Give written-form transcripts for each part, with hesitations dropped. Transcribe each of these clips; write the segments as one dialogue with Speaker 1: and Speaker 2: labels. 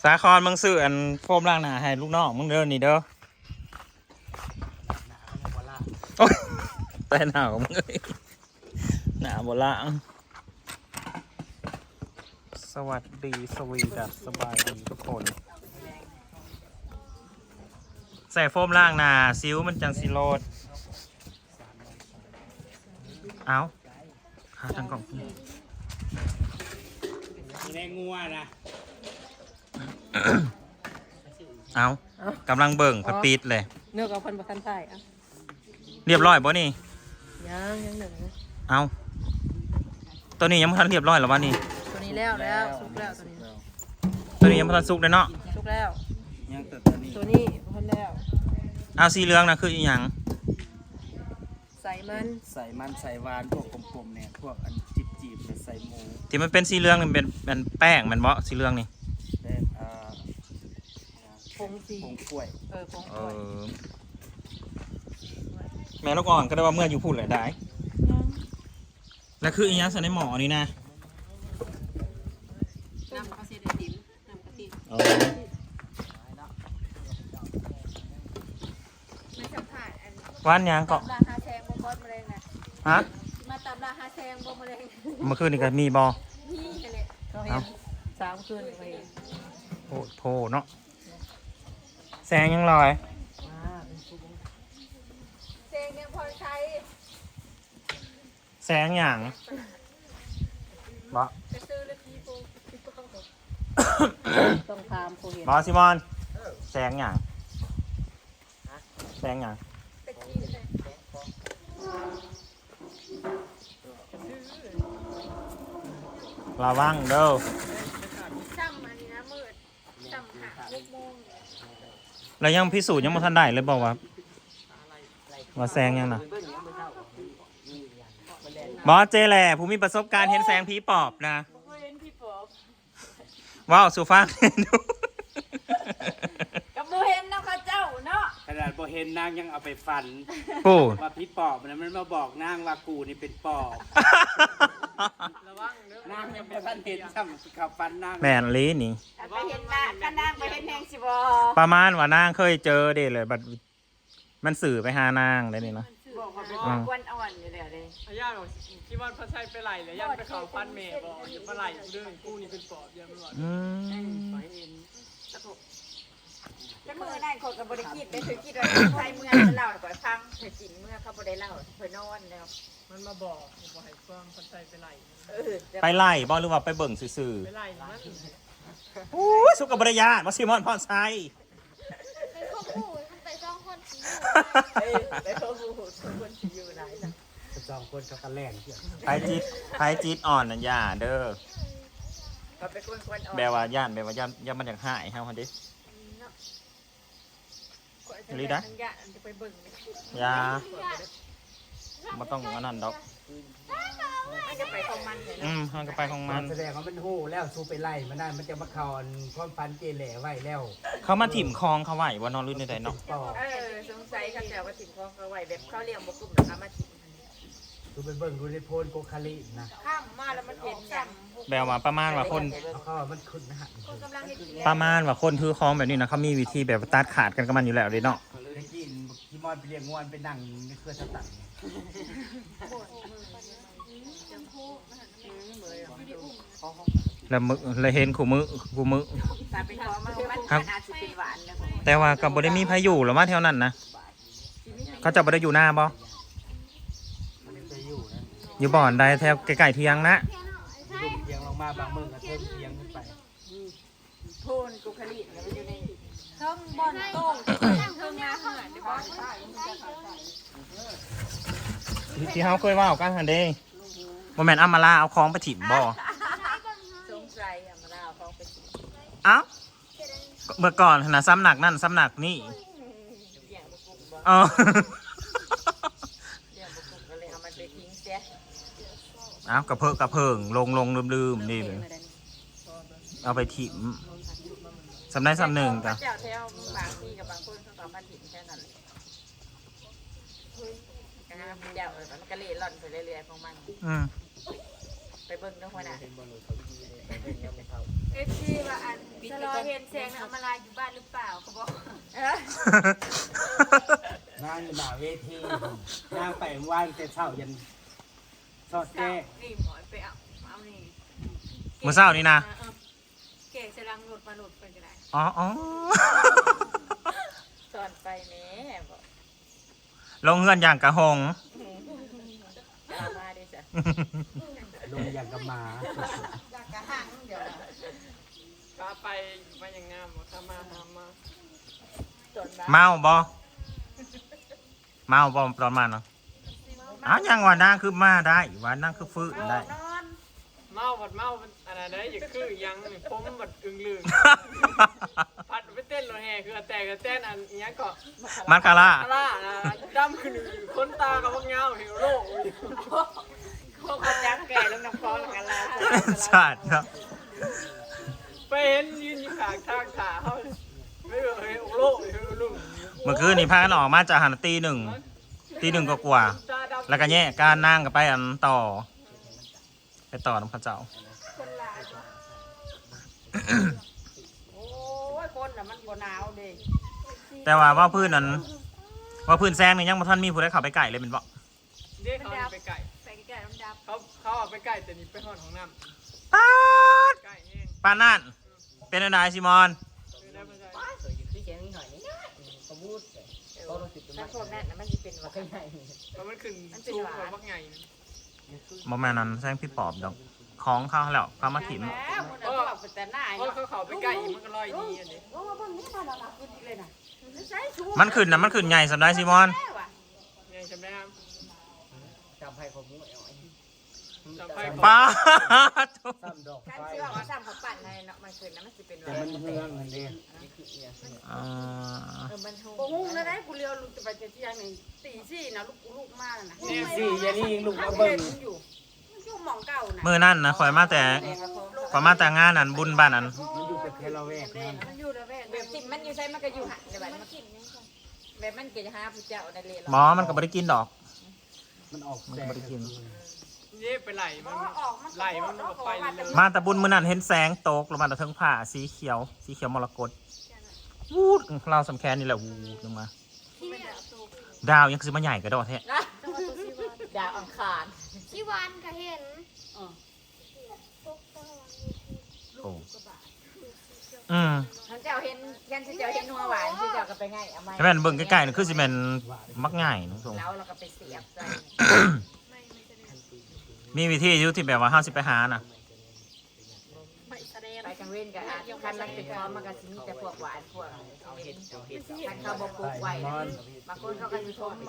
Speaker 1: สาครมึงซื้ออันโฟมล้างหน้าให้ลูกน้องมึงเด้อนี่เด้อโอ๊ยแต่หนาวมึงเลยหนาวบ่ล่างสวัสดีสวีดัสสบายดีทุกคนใส่โฟมล้างหน้าซิวมันจังสิโลดเอาหาทางกล่อง
Speaker 2: แรงงัวนะ
Speaker 1: เอากำลังเบิ่งพัดปีดเลย
Speaker 3: เนื้อกับคนประทันไทยอ่ะ
Speaker 1: เรียบร้อยบ่นี่
Speaker 3: ยังหนึ่งนะ
Speaker 1: เอาตัวนี้ยังไม่ทันเรียบร้อยหรอวะนี่
Speaker 3: ตัวนี้แล้วสุกแล้วตัวนี้
Speaker 1: ตัวนี้ยังไม่ทันสุกเลยเนาะ
Speaker 3: สุกแล้ว
Speaker 2: ยังตัวนี้
Speaker 3: ตัวนี้พันแล้ว
Speaker 1: เอาสีเหลืองนะคืออีหยัง
Speaker 3: ใส่มัน
Speaker 2: ใส่มันใส่หวานพวกกลมๆเนี่ยพวกอันจีบๆเนี่ยใส่หมู
Speaker 1: ที่มันเป็นสีเหลืองมันเป็นแป้งมันบ่สีเหลืองนี่
Speaker 2: และ
Speaker 3: ผงสี
Speaker 2: ผงกล้วย
Speaker 3: ผง
Speaker 1: เอก
Speaker 3: ล้วย
Speaker 1: อแม่ลูกอ่อนก็ได้ว่าเมื่ออยู่พูดเลยได้แล้วคืออีหยังใส่ในหม้อนี่นะ
Speaker 3: น้ำกะทิไอติมน้ำกะทิ
Speaker 4: มาสัมผัสอัน
Speaker 1: ว่านหยังก็
Speaker 4: ตำราฮาแซงบ่บอสมะเร็งนะ
Speaker 1: ฮะ
Speaker 4: มาตำราฮาแซงบ่มะเร็ง
Speaker 1: เมื่อคืนนี่ก็มีบ่
Speaker 4: นี่เลย
Speaker 3: เขาเห็น3 คืนไป
Speaker 1: โอ้โหเนาะแสงยังลอย
Speaker 4: แซงยังพอใช้
Speaker 1: แสงหยังบ่
Speaker 4: จะซื้อเลยพี่ปู
Speaker 3: ต้องทามผู้เห็น
Speaker 1: บ่ซิมอนแสงหยังแสงหยัง
Speaker 4: ตะกี้เลย
Speaker 1: ระวังเด้อ
Speaker 4: ซ้ำอันนี้นะมืดซ้ำหา6 โมง
Speaker 1: แล้วยังพิสูจน์ยังไม่ทันได้เลยบอกว่าแสงยังนะบอสเจแหละผู้มีประสบการณ์เห็นแสงผีปอบนะ
Speaker 3: เห็นพี่ปอบ
Speaker 1: ว้าวสูฟังดู
Speaker 3: กับบ่เห็นน้ำข้าเจ้าเนาะ
Speaker 2: ขนาดบ่เห็นนางยังเอาไปฟัน
Speaker 1: ปู
Speaker 2: ว่าพี่ปอบนะมันมาบอกนางว่ากูนี่เป็นปอบ
Speaker 3: ระวังเด้อน
Speaker 2: างยังบ่ทันเห็นซ้ำขับฟันนาง
Speaker 1: แมนลีนี่
Speaker 4: ไปเห็นหน้าก็นั่งไปเห็นแหงสิบ่
Speaker 1: ประมาณว่านางเคยเจอเด็เลยบัดมันสื่อไปหานางได้นี่เนาะ
Speaker 4: บอกว่าเป็นกวนอ่อนอยู่แล้วเลย
Speaker 5: อาญาบอกคิดว่าพระชัยไปไหลเลยยันไปเขาฟันเมย์บอกอย่าไปไหลเรื่องกูนี่เป็นปอบอย่ามันหลอด
Speaker 1: อืม
Speaker 4: แต่มื้อนั้นคนก็บ่ได้คิดได้ถือคิดว่าใครเมื่อเล่าให้ข่อยฟังเพิ่นกินเมื่อเขาบ่ได้เล่าเพิ่นนอนแล้ว
Speaker 5: มันมาบอกให้ความพระชัยไปไหล
Speaker 1: ไปไล่บอหรือว่าไปเบิ่งซื่อ
Speaker 5: ไปไหลมัน
Speaker 1: ๆอู้ยสุกับบริยามาซิมอนพรไซ
Speaker 4: เป็นข้อมูลมันไปซ่องคนสิ
Speaker 3: ไปเขาบูทุกคนสิอยู่ไหนล่ะ
Speaker 2: สองคนเขากันแล่นเที่ยว
Speaker 1: ไพจิตอ่อนนั่นย่าเด้อ
Speaker 3: ก็เป็นคนอ่อน
Speaker 1: แปลว่าย่านแปลว่าย่านมันอยากหายเฮาคนดิ ลีดะ
Speaker 4: ยะอันจะไปเบิ่ง
Speaker 1: ยาบ่ต้องอันนั้นดอก
Speaker 4: มันจะไปของมันเลย
Speaker 1: มันก็ไปของมัน
Speaker 2: แสดงว่ามันหู้แล้วสู้ไปไล่มันได้มันจะมาเขาความฟันเจแหล่ไว้แล้ว
Speaker 1: เขามาถิ่มคลองเขาไหวว่านอนรุ่นใดๆเนาะ
Speaker 2: ปอบ
Speaker 4: สงสัยเขาจะว่าถิ่นของเขาไว้แบบเขาเลี้ยงบ่กลุ่มนะคะมาถิ่น
Speaker 2: ดูไปเบิ่งดูในโพนโกคาลินะ
Speaker 4: ข้ามมาแล้วมันเห็นอย่าง
Speaker 1: แปลว่าประมาณว่าคน
Speaker 2: เขาว่ามันขึ้นนะฮะ
Speaker 4: คนกำลังเห็น
Speaker 1: ประมาณว่าคนถือคลองแบบนี้นะเขามีวิธีแบบตัดขาดกันกับมันอยู่แล้วเลยเนาะ
Speaker 2: ได้กินที่มอนไปเรียกงวนไปนั่งในเครือสตัง
Speaker 1: แล้วมึกแล้วเห็นขู่มือ
Speaker 4: แต่เป็นของมันอาจจะเป็นหวานนะ
Speaker 1: แต่ว่ากับบ่ได้มีพายุหรือว่าแถวนั้นนะเขาจะบ่ได้อยู่หน้าบ่
Speaker 2: มันไปอยู่นะ
Speaker 1: อยู่บ่อนใดแถวไกลๆเที่ยงนะ
Speaker 2: ลุมเทียงลงมาบางเมืองก็เทิมเทียงขึ้นไป
Speaker 4: โทนกุคลิมันอยู่ในเครื่องบอลโต้งเครื่องนาเหมือนในบอลใช่
Speaker 1: ที่เฮาเคยว่ากันหั่นเด้บ่แม่นเอามาลาเอาของไปถิ่มบ่
Speaker 4: สงสัยมาแล้วเขาไป
Speaker 1: เอ้าเมื่อก่อนนะซ้ำหนักนั่นซ้ำหนักนี่
Speaker 4: เลี้ยงบุกุบ่
Speaker 1: อ๋อ
Speaker 4: เลี้ยงบุกุก็เลยเอามันไปทิ้งเสีย
Speaker 1: เอ้ากระเพิงลงลืมๆนี่เลยเอาไปถิ่มสำได้สำหนึ่งจ้ะ
Speaker 4: เจ้าแถวบางที่กับบางคนเขาก็มาถิ่นแค่นั้นเจ้ามันก็เล่ร่อนไปเรื่อยๆของมัน
Speaker 1: อืม
Speaker 3: ไปเบิ่งน้องหัวหน้า
Speaker 2: เป็นบอลลูนเขาดีเลยเป็นยังไม่เท่า
Speaker 4: เอฟซีว่าอันสลอเห็นแสงอมราอยู่บ้านหรือเปล่าเขาบอก
Speaker 2: นางหน้าเวทีนางไปว่านแต่เช้ายันทอดแก้
Speaker 4: นี่หมอนไปเอานี่
Speaker 1: มื้อเช้านี่นะ
Speaker 4: เก๋จะลังรถมาหลุดไปก็ได้
Speaker 1: อ๋ออ๋อ
Speaker 3: สอนไปแม่บอก
Speaker 1: ลงเฮือนอย่างกระหง
Speaker 3: เอามาดิจ้ะ
Speaker 2: ลงอย่างกับหมา
Speaker 3: กะหังเดี๋ยว
Speaker 5: ก็ไปมาอย่างงามว่าถ้ามาหามา
Speaker 3: สอนมา
Speaker 1: เมาบ่เมาบ่ประมาณเนาะอ้าวยังว่านั่งคือมาได้ว่านั่งคือฟื้นได้
Speaker 3: นอน
Speaker 5: เมาบัดเมาอะไรได้อย่าคือยังนี่ผมบัดอึ้งลึงพัดไปเต้นรถแห่คือแต่ก็เต้นอันนี้ก็
Speaker 1: มันคาร่า
Speaker 5: คาร่าดำขึ้นคนตากับพวกเงาเหี่ยวโลก
Speaker 3: พวกคนจักแก่แล้วน้ำฟองกันแล้ว
Speaker 1: ชาติเนาะ
Speaker 5: ไปเห็นยืนอยู่ข้างทางขาเขาไม่เห็นโลกเลยลุง
Speaker 1: เมื่อคืนนี่พากันออกมาจากหันตีหนึ่งก็กว่า
Speaker 5: ตาดำ
Speaker 1: แล้วก็แย่การนั่งกับไปอันต่อ ไปต่อน้ำพระเจ้า
Speaker 4: คนลายบ่
Speaker 3: โอ้ยคนน่ะมันบ่หนาวเด้
Speaker 1: แต่ว่าพื้นนั้นว่าพื้นแซงนี่ยังบ่ทันมีผู้ใดเข้าไปไก่เลยเป็นบ่
Speaker 5: เรียกเขาไปไก่
Speaker 4: ไปแก่มันดับ
Speaker 5: เขาเอาไปไก่แต่นี่ไปห่อนของน้
Speaker 1: ป๊าด
Speaker 5: ำไก่แห้ง
Speaker 1: ปานนั่นเป็นอะไรซิมอน
Speaker 5: คือได้ไม่ใช่
Speaker 2: เคยอยู่ที่แกงนิดหน่อยนี่ขบูดเขาต้องติด
Speaker 3: ถ้าพวกนั้นน่ะมันสิเป็นว่าไง
Speaker 5: เพราะมันขึ้นสูงกว่าพวกไง
Speaker 1: บ่แม่นนั้นแซงพี่ปอบดอกของเขาแล้วเขามาถิ่ม
Speaker 3: แล้วคนน่ะบอกเป็นแต่หน้า
Speaker 5: เพราะเขาไปไก่มันก็ลอยดีอันนี้
Speaker 3: โอ้เบิ่งนี่พาเรามาขึ้นเลยน่ะใส่ชู
Speaker 1: มันขึ้นใหญ่สำได้ซิมอน
Speaker 5: ไงจำได้ครับ
Speaker 2: จำให้เขาบุ้งเอาไอ้
Speaker 5: จำไพ่
Speaker 1: ป้าด
Speaker 2: ซ้ำดอก
Speaker 3: การ
Speaker 2: ไฟ
Speaker 3: ที่ว่าเขาซ้ำเขาปั่นในเนาะมันขึ้นนะมันสิเป็น
Speaker 2: แต่มันเฮืองอันเดียว
Speaker 1: อ่า
Speaker 3: มันฮู้
Speaker 4: โอ้โหแล้วได้กูเลี้ยวลูกจะไปเที่ยงนี่ตี4นะลูกมาแล้วนะ
Speaker 2: นี่สิยานี่ยิงลูก
Speaker 4: เอา
Speaker 2: มา
Speaker 4: เบิ่
Speaker 2: เบิ่
Speaker 4: ง
Speaker 2: ง
Speaker 4: อยู่มันอยู่หม่องเก่านะ
Speaker 1: มื้อนั้นนะข่อยมาแต่งานอันบุญบ้านอัน
Speaker 2: มันอยู่กับเทลเวกนั่น
Speaker 4: มันอยู่ระแวก
Speaker 3: แบบติดมันอยู่ใส่มันก็อยู่หันในบ้านมันแบบมันก็จะหาผู้เจ้าในเลย
Speaker 1: หมอมันก็บ่ได้กินดอก
Speaker 2: มันออกแสง
Speaker 5: นี่ไปไหลมัน
Speaker 4: ออกมัน
Speaker 5: ไหลมันก็ไปเลย
Speaker 1: มาแต่บุญมื้อนั้นเห็นแสงตกลงมาแต่เทิงผ้าสีเขียวมรกตวูดเราสำแคนนี่แหละวูดลงมา
Speaker 4: ไม่ได้สูบ
Speaker 1: ดาวยังซื้อมาใหญ่กระโดดแท้
Speaker 3: นะดาวอังคาร
Speaker 6: ที่วันก็เห็น
Speaker 1: โอ้อืม
Speaker 3: ท่านเจ้าเห็นยันเจ้าเห็นนัวหวานเจ้าก็ไปง่ายเอาไม้
Speaker 1: ให้แม่นเบิ่งใกล้ๆนี่คือสิแม่นมักง่ายน้องทง
Speaker 3: แล้วเราก็ไปเสียบใส่
Speaker 1: มีวิธีอยู่ที่แบบว่าเฮาสิไปหาน่ะ
Speaker 4: ไม่แสดง
Speaker 3: ไปกลางเว้นกับคันมันเป็นพร้อมมันก็สิมีแต่พวกหวานพวกคันเขาบอกปลูกไว้บางคนเขาก็อยู่ชมไว้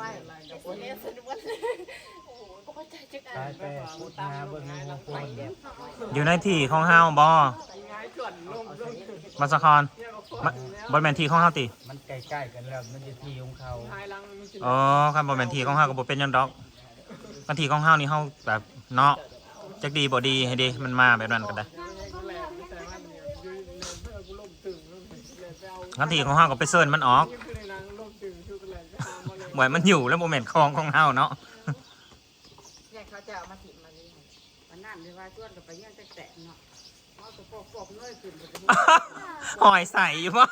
Speaker 2: ตายไปพูดหาเบิ่งงูโป่ง
Speaker 1: อยู่ในที่ของเฮาบ่
Speaker 5: ง่ายส่วนลง
Speaker 1: บัสครบ่แม่นที่ของเฮาติ
Speaker 2: มันใกล้ๆกันแล้วมันจะทีของเขา
Speaker 5: ท้ายลังมันสิ
Speaker 1: อ๋อคันบ่แม่นที่ของเฮาก็บ่เป็นหยังดอกคันที่ของเฮานี่เฮาแบบเนาะจักดีบ่ดีให้ดีมันมาแบบนั้นก็ได้
Speaker 5: แหลมแต่มันเนี่ยยืนเพื่อกูล้มตึงแล้วเลยไปเอา
Speaker 1: คันที่ของเฮาก็ไปเซิร์นมันออก
Speaker 5: นี่คือในนังล้มตึงคือกันเลยไปหามาเลย
Speaker 1: บ่ให้มันอยู่แล้วบ่แม่นของเฮาเนาะ
Speaker 3: เนี่ยเขาจะเอามาถิ่มมาเลย
Speaker 4: วันนั้นเลยว่าชวนกับไปเยี่ยงแตะเนาะเอาตัวปอกๆเงยขึ้นไป
Speaker 1: อ่อยใส่อยู่บ่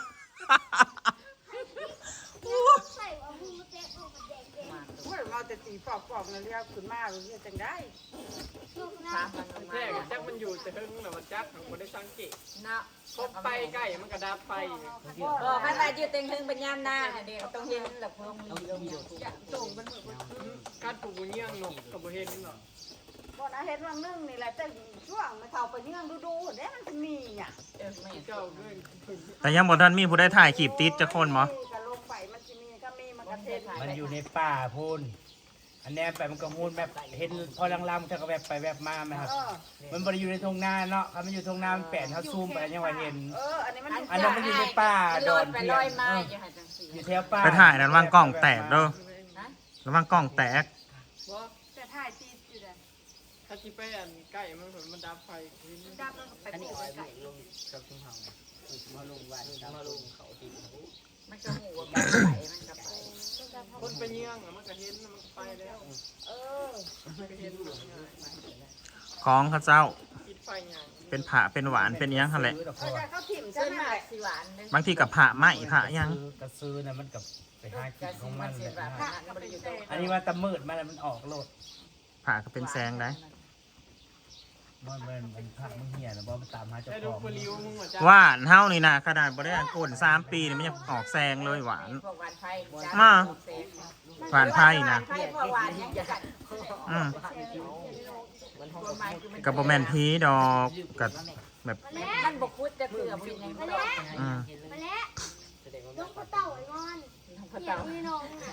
Speaker 6: ใส่เอามือมาแตะออกมาแดง
Speaker 4: เมื่อมาแต่ตีปอกๆนั่นเรียกขึ้นมาเรียกจังได้
Speaker 6: ๆลูกนะ
Speaker 3: ถามมันลง
Speaker 5: แท้
Speaker 3: มา
Speaker 5: จักมันอยู่แต่หึงน่ะมันจักของบ่ได้สังเกต
Speaker 3: เนาะ
Speaker 5: พบไปใกล้มันก็ดับไฟ
Speaker 3: บอกมันมาอยู่เต็งถึงปัญญามหน้าเด็กต้องเห็นหลับพง
Speaker 4: ส่งมัน
Speaker 5: การปลูกเงี้ยงนกก็บ่เห็นหรอก
Speaker 4: บ่นะเห็นว่านึ่งนี่แหละแต่ช่วงมันเข้าไปเยี่ยงดูๆเด้มันจะมีอ่ะ
Speaker 5: เจ้าเด้อ
Speaker 1: แต่ยังบ่ทันมีผู้ใดถ่ายคลิปติดจักคนบ่
Speaker 4: ก็ลงไปมันจะมีก็มีมันก็เทศ
Speaker 2: มันอยู่ในป่าพูนอันแนมไปมันก็มูนแบบเห็นพอลำๆเขาก็แบบไปแบบมาไหมครับ มันบริอยู่ในทุ่งนาเนาะครับมันอยู่ทุ่งนามันแปดเขาซูมไปยังว่าเห็น
Speaker 4: อันนี้มัน
Speaker 2: อันนั้นมันอยู่ในป่า
Speaker 3: ลอยไปลอยมาอยู่หันจังสี
Speaker 2: อยู่แถวป่า
Speaker 1: ไปถ่ายนั้นวางกล้องแตกเด้อระวังกล้องแตก
Speaker 5: บ่
Speaker 4: แต่ถ่ายตีอยู่เลย
Speaker 5: ถ้าสิไปอันใกล้มันดับไฟ
Speaker 4: ดับแล้วก็ไปปลูกไก่
Speaker 2: กับทุ่งเฮามาลงวันมาลงเขาติด
Speaker 3: มันก็หูว่าไปมันก็ไป
Speaker 5: คนไปเงี้ยงมันก็เห็นมันก็ไปแล้ว
Speaker 3: เออ
Speaker 5: มันก็เห็น
Speaker 1: ของเขาเจ้า
Speaker 5: คิดไฟยัง
Speaker 1: เป็นผ่าเป็นหวานเป็นอิหยังหั่นแหละ
Speaker 2: ซื้อดอก
Speaker 3: เออแต่เขาถิ่ม
Speaker 4: ส่
Speaker 3: ใช่
Speaker 4: วน
Speaker 3: ไหม
Speaker 4: มากสิหวานเลย
Speaker 1: บางทีกับผ่าไหมผ่าอิหยัง
Speaker 2: กระซื้อนะมันกับไปหากิ
Speaker 3: กะ
Speaker 2: นข
Speaker 3: สิ
Speaker 2: อง
Speaker 3: มั
Speaker 2: มัน น
Speaker 3: สิ
Speaker 2: เลย
Speaker 3: แบบ
Speaker 2: นะ
Speaker 3: นั้นบ่ได้อยู่ตรง
Speaker 2: อันนี้ว่าตะมืดมันออกโลด
Speaker 1: ผ่าก็เป็นแซงได้
Speaker 2: มันผักมันเหี่ยนะบ่มันตามหาเจ้า
Speaker 5: ได้
Speaker 2: ข
Speaker 5: ดู
Speaker 2: อง
Speaker 5: ปลิวมึงว่าจ้า
Speaker 1: หวานเฮานี่นะขนาดบ่ได้อันก้น3 ปีนี่มันยังออกแซงเลยหวาน
Speaker 3: พวกหวานไผ่
Speaker 1: มา หวานไผ่นะ
Speaker 3: ไผ่พวกหวานยังจะกัด
Speaker 1: อืม
Speaker 3: ตัวไม้คือมัน
Speaker 1: กับบ่แม่นพีดอกกับแบบ
Speaker 3: มันบกพุดจะเกลือบ่ยังไงบ่ได้
Speaker 1: อืม
Speaker 6: มาแล้วลูกกระเต่าไอ้งอนเดี๋ยวนี่น้องน่ะ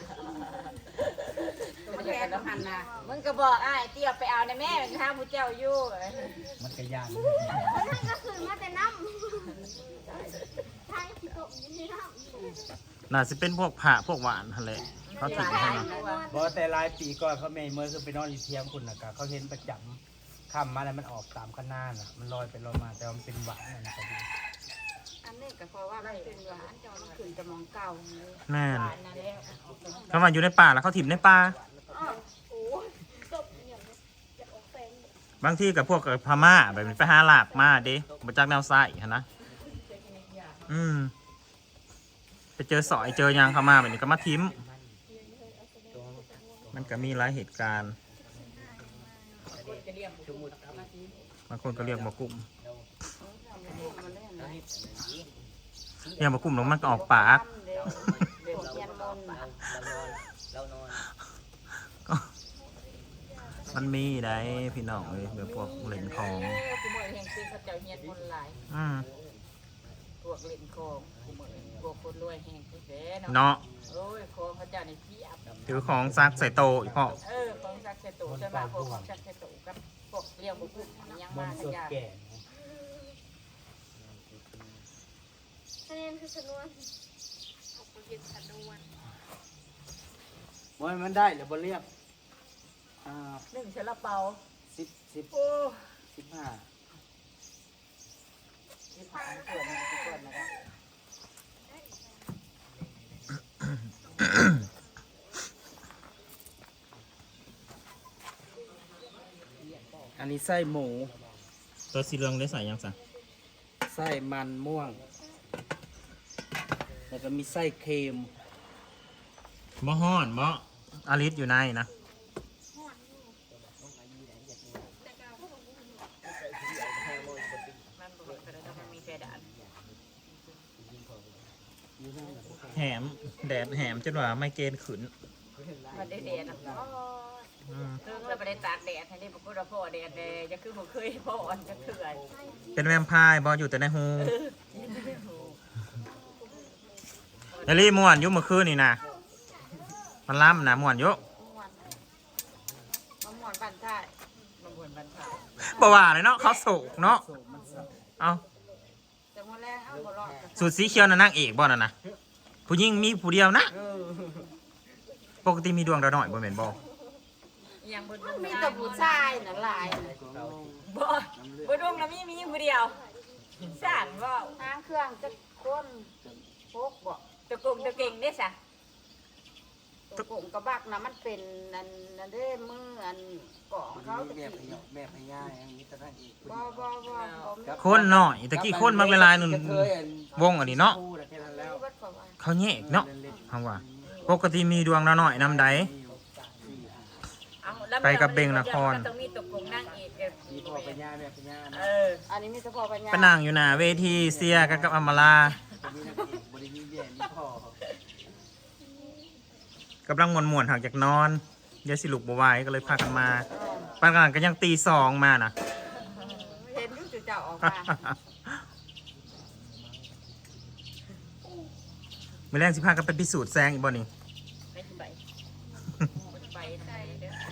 Speaker 3: มันแค่ต้องหันน่ะมึงก็บอกอ้ายเตี้ยไปเอาในแม่มันทางผู้เจ้าอยู่
Speaker 2: มันกระยาน
Speaker 6: แล้วนั่นก็คือมาแต่น้ำทางที่ตกอยู่ในน้ำ
Speaker 1: น่าสิเป็นพวกผ่าพวกหวานหั่นแหละเขาถึงให้เนาะ
Speaker 2: บ่แต่หลายปีก่อนเขาไม่เมื่อคือไปนอนอยู่เทียมคุณน่ะก็เขาเห็นประจำค่ำมาแล้วมันออกตามข้างหน้าน่ะมันลอยไปลอยมาแต่ว่ามันเป็นหวานนะครับ
Speaker 3: อันนี้ก็เพราะว่ามันเป็นหวานจอมันขึ้นจะมองเก่าเลย
Speaker 1: แม่น
Speaker 3: หวานนั่นแหละ
Speaker 1: เขามาอยู่ในป่าแล้วเขาถิ่มในป่า
Speaker 6: อ้าวโอ้ยตกอย่างนี้จะออกแฟน
Speaker 1: บางทีกับพวกพม่าแบบนี้ไปหาหลากมาเด้มาจากแนวซ้ายหั่นนะอืมไปเจอสอยเจอหยางเข้ามาแบบนี้ก็มาทิ้มมันก็มีหลายเหตุการณ์บางคนก็เรียกหมอกลุ่มเรียกหมอกลุ่มแล้วมันก็ออกปาก มันมีได้พี่น้องเลยแบบพวกเหรียญของ
Speaker 3: กูเหมือนแห่งซีเขาเจ้าเฮียนคนหลาย
Speaker 1: อืม
Speaker 3: พวกเล่นของกูเหมือนพวกคนรวยแห่งที่แสน
Speaker 1: เนาะ
Speaker 3: โอ้ยของเขาเจ้าในเทียบ
Speaker 1: ถือของซักใส่โตอีกพ่อ
Speaker 3: ของซักเซตุใช่ไหมพวกของซักเซตุกับพวกเลี้ยงบุกุยัง
Speaker 2: มั
Speaker 3: มาน ข
Speaker 2: สด
Speaker 3: ยะ
Speaker 2: แก่
Speaker 6: คะแนนคือชนวน
Speaker 2: มันได้หรือบ่เรียก
Speaker 3: หนึ่งเชลเปา
Speaker 2: 10
Speaker 3: โอ้
Speaker 2: 15
Speaker 3: ที่ผ่านเกิดมาทุกคนนะครับ
Speaker 2: อันนี้ไส้หมู
Speaker 1: ตัวสีเหลืองได้ใส่ยังสัง
Speaker 2: ไส้มันม่วง แล้วก็มีไส้เค็ม
Speaker 1: บ่ฮ้อนบ่อาริสอยู่ในนะ
Speaker 3: มันบอกกันแล้วมันมีเพดาน
Speaker 1: แหมแดดแหมจนว่าไม่เกณฑ์ขืน
Speaker 3: มันได้แดดนะ
Speaker 1: อืม
Speaker 3: เพิ่งเราไปได้ตากแดดให้ได้บอกว่าพ่อแดดเลยจะคือผมเคยพ่ออ่อนจะเถื่อน
Speaker 1: เป็นแวมไพร์บออยู่แต่ในหูเอลี่ม่วนอยุ่เมื่อคืนนี่นะมันล้ำนะม่วนอยุ่
Speaker 3: มะม่วงบันท้ายมะม่วงบันท้าย
Speaker 1: บ่ว่าเลยเนาะเขาโศกเนาะเอา
Speaker 3: แต่มื่อแรกเอาบ่รอด
Speaker 1: สูตรสีเขียวน่ะนางเอกบ่น่ะนะผู้หญิงมีผู้เดียวนะปกติมีดวงดาวน้อยบ่แม่นบ่
Speaker 3: ยังบนมีแต่ผู้ชายน่ะหลายบ่บ่ดวงน่ะมีผู้เดียวสร้างว่าทางเครื่องจะคนพกบ่ตะกงตะเก่งเด้ซะตะกงกระบักน่ะมันเป็นนั่นเด้มืออันกองเขาตะกี้
Speaker 2: แบบพญาอย่างนี้ตะนั่งอีก
Speaker 3: บ่
Speaker 1: คนน้อยตะกี้คนมักเวลาหนึงวงอันนี้เนาะ
Speaker 2: คู่แค่นั้นแล้ว
Speaker 1: เขาแยกเนาะเฮาว่าปกติมีดวงดาวน้อยนำใด ไปกับเบงนคร
Speaker 3: ต้องมีตะกงนั่งอีก
Speaker 2: มีพ่อพญาแบบพญานะ
Speaker 3: อันนี้มีเฉพาะปัญญา
Speaker 1: ไปนั่งอยู่หน้าเวทีเสียกันกับอำมาลา
Speaker 2: มีนักเอกบริมีเบี้ยมีพ่อก
Speaker 1: ำลังม่วนๆหักจากนอนเดี๋ยวสิลุกบ่ไหวก็เลยพากันมาปานกลางก็ยังตี 2มาน่ะ
Speaker 3: เห็นดูเจ้าออกมา
Speaker 1: มื้อแรงสิพากันไปพิสูจน์แซงอีกบ่นี่
Speaker 3: ไปไปไปได้เด้อ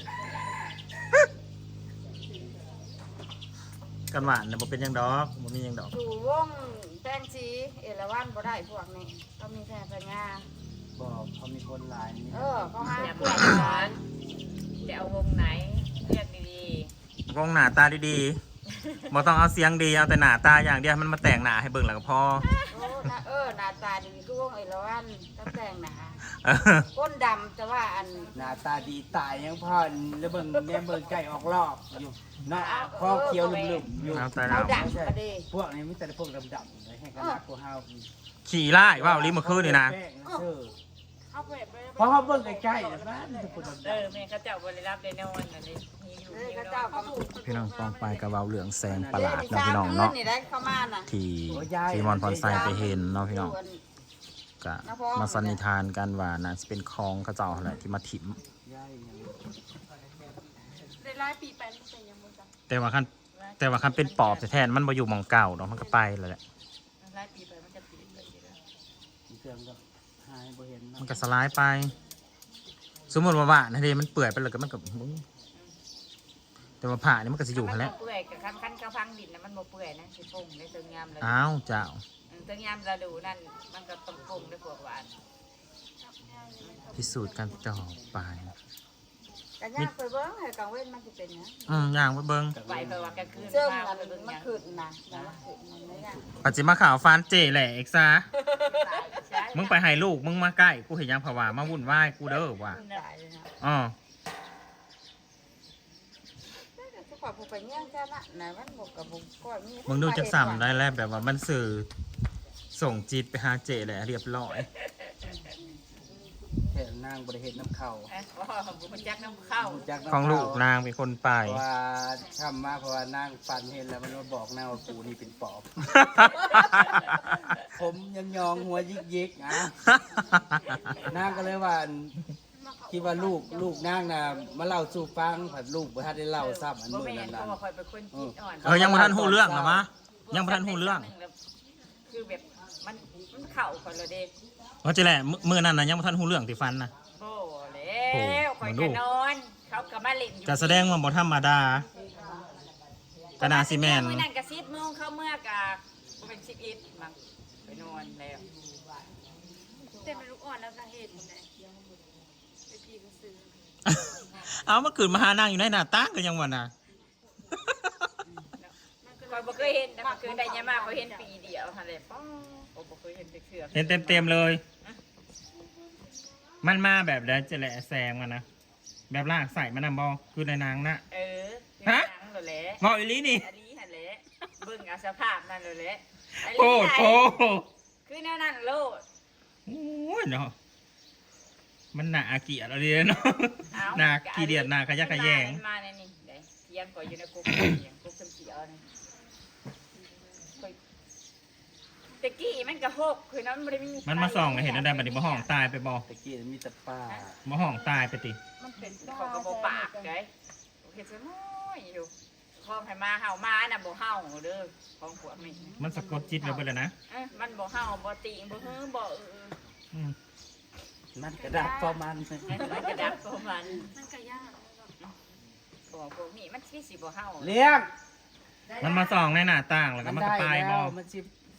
Speaker 1: กันหวานน่ะบ่เป็นหยังดอกบ่มีหยังดอก
Speaker 3: สู่วงแตงสีเอราวัณบ่ได้พวกนี้ก็มีแค่ปัญญา
Speaker 2: บอกเขามีคนหลายนี่
Speaker 3: เขาหาเพื่อนกันจะเอาวงไหนเรียกดี
Speaker 1: วงหน้าตาดีๆบ่ต้องเอาเสียงดีเอาแต่หน้าตาอย่างเดียวให้มันมาแต่งหน้าให้เบิ่งแล้วก็พอ
Speaker 3: ๆโอ้นะหน้าตาดีคือวงไอ้ละวันตั้งแต่งหนา
Speaker 1: เออ
Speaker 3: ก้นดำแต่ว่าอัน
Speaker 2: หน้าตาดีตายยังพ่อแล้วเบิ่งแม่เบิ่งไก่ออกรอบอยู่เนาะคอเขียวลุ่มๆอยู่
Speaker 1: น้ำตา
Speaker 3: เอา
Speaker 1: ดำ
Speaker 3: ดังก็ดี
Speaker 2: พวกนี้มีแต่พวกดำๆเลยให้กันนักพวกเฮา
Speaker 1: ขี่ไล่ว่าวลิมาคืนนี่นะ
Speaker 2: แป้งนะเชื่อ
Speaker 4: เอาไป
Speaker 2: เพราะเขาเบิ่งใกล้ๆนะบ้านมีแต่พวกดำ
Speaker 3: แม่เขาเจ้าบริรับได้นอนอันนี้มีอยู่มี
Speaker 4: เขา
Speaker 3: น
Speaker 4: เจ้า
Speaker 3: อน
Speaker 4: ก็พูด
Speaker 1: พี่น้องปองไปกระเบาเหลืองแสงประหลาดเนาะพี่น้องเนาะ
Speaker 3: นี่ได้เข้ามาน่ะ
Speaker 1: ที่มอนพรไซไปเห็นเนาะพี่น้องก็มาสันนิษฐานกันว่าน่าจะเป็นคลองเขาเจ้าอะไรที่มาถิ่ม
Speaker 2: ๆย่ายอย่างนี้
Speaker 4: ได้หลายปีไปนี่เป็นยังบ่จัง
Speaker 1: แต่ว่าคันเป็นปอบแท้ๆมันมาอยู่หมองเก่าเนาะมันก็ไปแล้วแหละ
Speaker 3: หลายปีไปมันจะปิดเลย
Speaker 2: มีเครื่องก็หายบ่เห็น
Speaker 1: มัน
Speaker 2: เนาะ
Speaker 1: ก็สลายไป สมมติว่านะเดมันเปื่อยไปเลยก็มันก็มึงแต่ว่าผ่านี่มันก็จะอยู่หั่นแหล้ว
Speaker 3: เปื่อยกับคันกระพังดินนะมันบ่เปื่อยนะสิปุ่งในตึงยามเลย
Speaker 1: อ้าวเจ้า
Speaker 3: ตึงยามเราดูนั่นมันก็ต้องปุ่งด้วยพวกหวาน
Speaker 1: พิสูจน์กันต่อไป
Speaker 3: กันย่างไปเบิ้งให้กังเว้นมันจะเป็นนะ
Speaker 1: ย่างไปเบิ้ง
Speaker 3: ไปเพราะว่ากลางคืนเสื่อมมันขึ้นนะมันขึ้นมันไม่ย่าง
Speaker 1: ปัจจิมาข่าวฟานเจแหละเอ็กซ่ามึงไปให้ลูกมึงมาใกล้กูเห็นยังผวามาวุ่นวายกูเด้อว่ะ
Speaker 3: ตายเลยนะ
Speaker 1: อ๋อ
Speaker 3: ทุกคนผูกไปเงี้ยงจ้าละไหนมันบกกับบุกก้อยมี
Speaker 1: มึงดูจักสัมได้แล้วแบบว่ามันสื่อส่งจิตไปหาเจแหละเรียบร้อย
Speaker 2: แถวนางบริเห็นน้ำเข่า
Speaker 3: ของบุกจักน้ำเข้า
Speaker 2: จากน้ำ
Speaker 1: ของ
Speaker 2: เข่า
Speaker 1: ลูกนางเป็นคนไป
Speaker 2: เพราะว่าทำมาเพราะว่านางฟันเห็นแล้วมันมาบอกนางว่ากูนี่เป็นปอบ ผมยังยองหัวยิกๆนะนางก็เลยว่าคิดว่าลูกนางน่ะมาเล่าสู่ฟังผัดลูกบ่ทันได้เล่าซ้ำอัน
Speaker 3: บ่
Speaker 2: มื้อ
Speaker 3: แม่
Speaker 2: นั้น
Speaker 3: นเพราะว่าคอยเป็นคนจิตอ่อน
Speaker 1: ยังบ่ทันหูเรื่องหรอมะยังบ่ทันหูเรื่อง
Speaker 3: คือแบบมันเข่าคนละเด็ก
Speaker 1: ว่าจะแหละมือนั้นนะยังบ่ทันหูเรื่องที่ฟันนะ
Speaker 3: โอ้แล้วคอยจะนอนเขากับมาเล่นอยู่
Speaker 1: จะแสดงว่าบ่ธรรมดา กนาซีแมน
Speaker 3: มื้อนั้นก็10 โมงเข้าเมื่อกะบ่เป็น11มั้งไปนอนแล้ว
Speaker 4: เต็มเป็นลูกอ่อนแล้วก็เห็นนะไปพี่ก็ซื้อ
Speaker 1: เอามาขืนมาหานางอยู่ในหน้าต่างก็ยังว่าน่ะ
Speaker 3: คอยบ่เคยเห็นนะคือได้ยามาเขาเห็นปีเดียวหั่นแหละป้อบ่เคยเห็นเทื่อ
Speaker 1: เห็นเต็มๆเลย มันมาแบบแล้วจะแหละแซงมันนะแบบลากใส่มันนำบอคือในนางนะ
Speaker 3: ฮะนั่งเลยแหละ
Speaker 1: บอกอีหลีนี่
Speaker 3: อันนี้หั่นแหละเบิ่งเอาสภาพนั่นเลยแหละ
Speaker 1: โอ้โห
Speaker 3: คือแนวนั้นโลด
Speaker 1: โอ้ยเนาะมันหนาเกลียดอะไรเนาะหนาขี้เดียดหนาขยะแขยง
Speaker 3: มาในนี่เด้เทียงก่อนอยู่ในกุ๊กเทียงกุ๊กเขียวนี่ตะกี้มันก็หกคือนั้นบ่ได้มี
Speaker 1: มันมาส่องเห็นอะไรบัดนี้มาห้องตายไปบอ
Speaker 2: ตะกี้มีแต่ป้า
Speaker 1: มาห้องตายไปติ
Speaker 3: มันเป็นเขาก็บ่ปากไงเฮ็ดซะน้อยอยู่พอให้มาเฮามาน่ะบ่เฮาเด้อของพวกนี้
Speaker 1: มันสะกดจิตเราไปเลยนะ
Speaker 3: มันบ่เฮาบ่ติงบ่ฮือบ่
Speaker 1: อืม
Speaker 2: มันกระดับพอมัน
Speaker 3: มันกระดับของมัน
Speaker 4: มันก็ยาก
Speaker 3: พวกนี้มันสิบ่เฮา
Speaker 2: เลี้ยง
Speaker 1: มันมาส่องในหน้าต่างแล้วก็มันก็ไปบอ
Speaker 2: มันสิ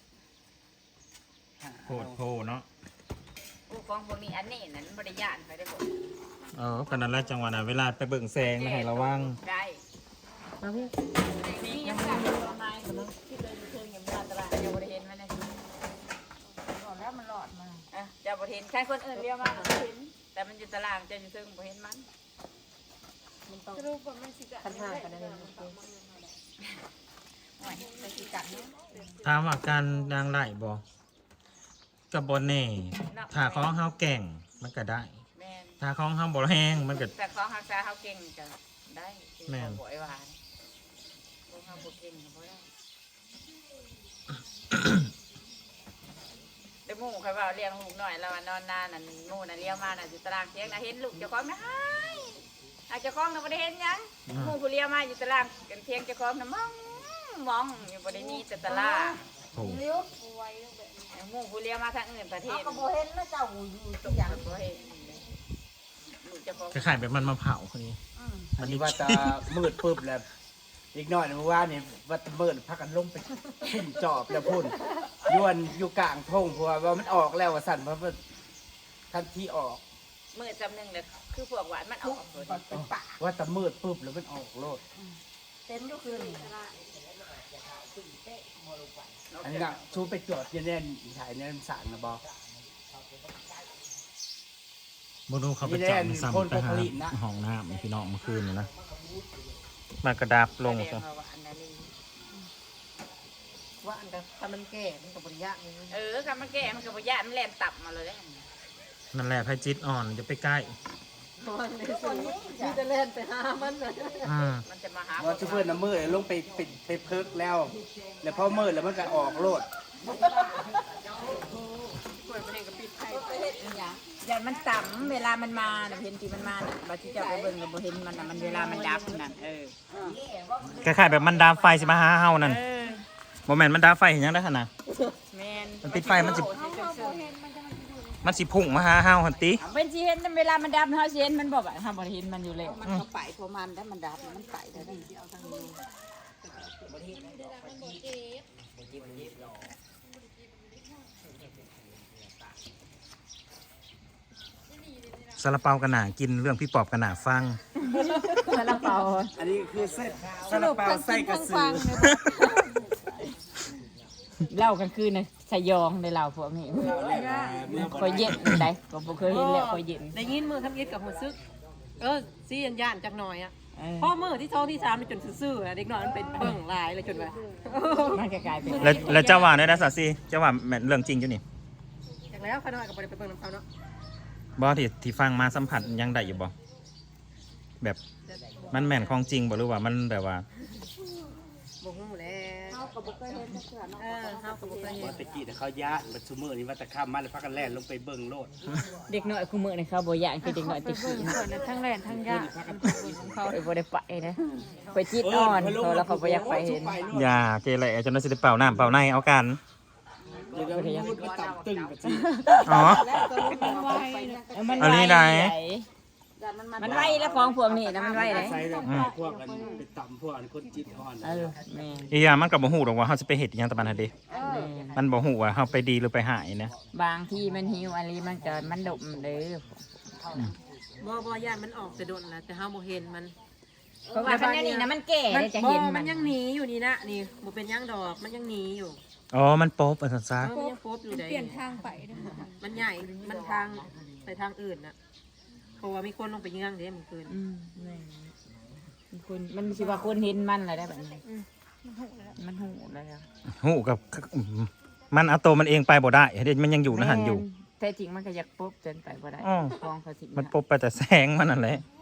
Speaker 1: โผดโผเนาะ
Speaker 3: ของพวกนี้อันนี้นั่นบ่ได้ย่านไปได้บ่
Speaker 1: ขนาดแรกจังหวะน่ะเวลาไปเบิ่งแสงนะให้ระวัง
Speaker 3: ได้นี่ยังกันประมาณที่เดินเชิงยังมาตลาดยังบ่ได้เห็นมันนะก่อนแล้วมันหลอดมาจะบ่เห็นใครคนอื่นเรียกมาเห็นแต่มันอยู่ตารางจะอยู่เชิงบ่เห็นมัน
Speaker 4: สรุปว่ามันสิจะปัญหากันนั่น
Speaker 3: โอ้ยไปสิกัดเนาะ
Speaker 1: ถามว่าการนางไหลบอกับบอเน่ถ้าของเฮาแก่งมันก็ได้
Speaker 3: แม่น
Speaker 1: ถ้าของเฮาบ่แห้งมันก็
Speaker 3: แต่ของฮักษาเฮาเก่งก็ได้
Speaker 1: แม่น
Speaker 3: บ่ไอ้หวานของเฮาบ่เก่งก็บ่ได้แต่หมู่ใครว่าเลี้ยงลูกหน่อยแล้วนอนนานนั่นหมู่น่ะเลี้ยงมาน่ะอยู่ตารางเที่ยงน่ะเห็นลูกเจ้าของนะหากเจ้าของน่ะบ่ได้เห็นหยังหมู่ผู้เลี้ยงมาอยู่ตารางกันเที่ยงเจ้าของน่ะมองอยู่บ่ได้มีแต่ตาราง
Speaker 1: โอ้
Speaker 3: หมู่ผู้เลี้ยงมาทางอื่นประเทศ
Speaker 6: ก็บ่เห็นแล้วเจ้าอยู่
Speaker 3: ตกอย่างบ่เห็นลูกเจ้าของ
Speaker 1: คล้ายๆแบบมันมาเผาคนนี้
Speaker 2: อันนี้ว่าจะมืดปึ๊บแล้วอีกหน่อยเมื่อวานนี่ว่าจะมืดพักกันลงไปพุ่มจอบแล้วพุ่นยวนอยู่กลางทงเพราะว่ามันออกแล้วว่าสั่นเพราะว่าทันที่ออก
Speaker 3: มือจำหนึ่งเลยคือพวกหวานมันออกเลย
Speaker 6: เป็นปาก
Speaker 2: ว่าจะมืดปุ๊บแล้วมันออกโลด
Speaker 6: เต็มทุกคืน
Speaker 2: อันนี้ก็ชูไปจอดเย็นๆถ่ายในสารนะบอ
Speaker 1: บ่รู้เขาไปจับมันซ้ำไปหาห้องน้ำพี่น้องเมื่อคืนนี่นะมากระดับลงซะ
Speaker 4: ว่าอันแต่ถ้ามันแก่มันกับบริยะนี่
Speaker 3: กับมันแก่มันกับบ่ยะมันแล่นตับมาเลย
Speaker 1: นั่นแหละไพ่จิตอ่อนจะไปใกล้
Speaker 4: มันในส่วนนี้มีแต่เล่นไปหามันเลย
Speaker 3: มันจะมาหา
Speaker 2: ว่าชูเพื่อนน้ำมือลงไปเพิกแล้ว แล้วพอมืดแล้วมันก็ออกโลด
Speaker 3: อย่ามันต่ำเวลามันมาน่ะเห็นที่มันมาน่ะบ่ที่จะไปเบิ่งก็บ่เห็นมันน่ะมันเวลามันดับนั่น
Speaker 1: คล้ายๆแบบมันดามไฟสิมาหาเฮานั่นบ่แม่นมันดามไฟเห็นยังได้หั่นน่ะ
Speaker 3: แม่น
Speaker 1: มันติดไฟมันสิพุ่งมาหาเฮาหั่นติ
Speaker 3: เป็นสิเห็นเวลามันดับเฮาสิเห็นมันบ่ว่าเฮาบ่เห็นมันอยู่แล้ว
Speaker 4: มันก็ไปเพราะมันได้มันดับมันไปแต่ดีเอาทางนี้
Speaker 1: ซาลาเปากันหนากินเรื่องพี่ปอบกันหนาฟัง
Speaker 3: ซาลาเปา
Speaker 2: อันนี้คือเส้นซาลาเปาไส้กระสือ
Speaker 3: เหล้ากลางคืนน่ะสยองได้เหล้าพวกนี้คอยเย็นได้ก็บ่เคยเห็นแล้วคอยเย็น
Speaker 4: ได้ยินมือทำยิดกับหัวซึกซีอันย่านจักหน่อยอ่ะพ่อมือที่ท้องที่3มันจนซื่อๆเด็กน้อยมันเป็นเบิ่งหลายเลยจนว่า
Speaker 3: มันก็กลายเป็น
Speaker 1: แล้วเจ้าว่าได้นะสาซีเจ้าว่าแม่นเรื่องจริงอยู่นี่
Speaker 4: จากแล้วข้าน้อยก็บ่ได้ไปเบิ่งน้ำเขาเนาะ
Speaker 1: บ่ที่ฟังมาสัมผัสยังได้อยู่บ่แบบมันแม่นของจริงบ่หรือว่ามันแบบว่า
Speaker 4: บ่ฮู้แล้วเฮาก็บ่เคยเห็นจักเทื่อเนาะเฮาก็บ่เคยเห็
Speaker 2: ว่าน ตะกี้เขาญาติบัดซุมือนี่ว่าตะข้ามมาแล้วพักกันแล่นลงไปเบิ่งโลด
Speaker 3: เด็กน้อยคู่มื้อนี่เขาบ่ย่านคือเด็กน้อยตะกี้นะ
Speaker 4: ทั้งแล่นทั้งย่าน
Speaker 3: เขาเลยบ่ได้ไปนะไปจิตอ่อนเขาแล้วเขาบ่อยากไปเห็น
Speaker 1: อย่าเกเรจนได้สิได้เป่าน้ำเป่าในเอากัน
Speaker 2: เดี๋ยวเราพูดว่าต่ำตึงกับจี
Speaker 1: อ๋อ
Speaker 3: มัน
Speaker 1: อันนี้ไหน
Speaker 3: มันไวแล้วของพวกนี้นะมันไวเลย
Speaker 2: ใส่แบบพวกกันไปต่ำพวกคนจิตอ่อน
Speaker 3: แม่
Speaker 1: อีหยังมันก็บ่ฮู้ดอกว่าเฮาสิไปเฮ็ดอิหยังตะบันหั่นเด้มันบ่ฮู้ว่าเฮาไปดีหรือไปหายนะ
Speaker 3: บางที่มันหิวอะไรมันก็มันดมเด้อ
Speaker 4: บ่ย่านมันออกแต่โดนนะแต่เฮาบ่เห็นมัน
Speaker 3: เพราะว่าคันนี้นะมันแก่เลยจะเห็น
Speaker 4: มั
Speaker 3: มัน น
Speaker 4: ยังหนีอยู่นี่นะนี่บ่เป็นยังดอกมันยังหนีอยู่
Speaker 1: อ๋อมันโป๊บอันซั่นซะ
Speaker 4: มันยังโฟบอยู่ได้เปลี่ยนทางไปมันใหญ่มันทางไปทางอื่นน่ะเพราะว่ามีคนลงไปเยื่องเด้มันคืน
Speaker 3: คุณมันสิว่าคนเห็นมันอะไรได้แบบนี้มันหูแล้ว
Speaker 1: ฮู้กับมันเอาตัวมันเองไปบ่ได้เฮ็ดมันยังอยู่นะหันอยู่
Speaker 3: แท้จริงมันก็อยากปุ๊บจนไปบ่ได้
Speaker 1: อ๋อ
Speaker 3: ฟองเขาสิ
Speaker 1: มันปบไปแต่แสงมันนั่นแหละ
Speaker 3: แ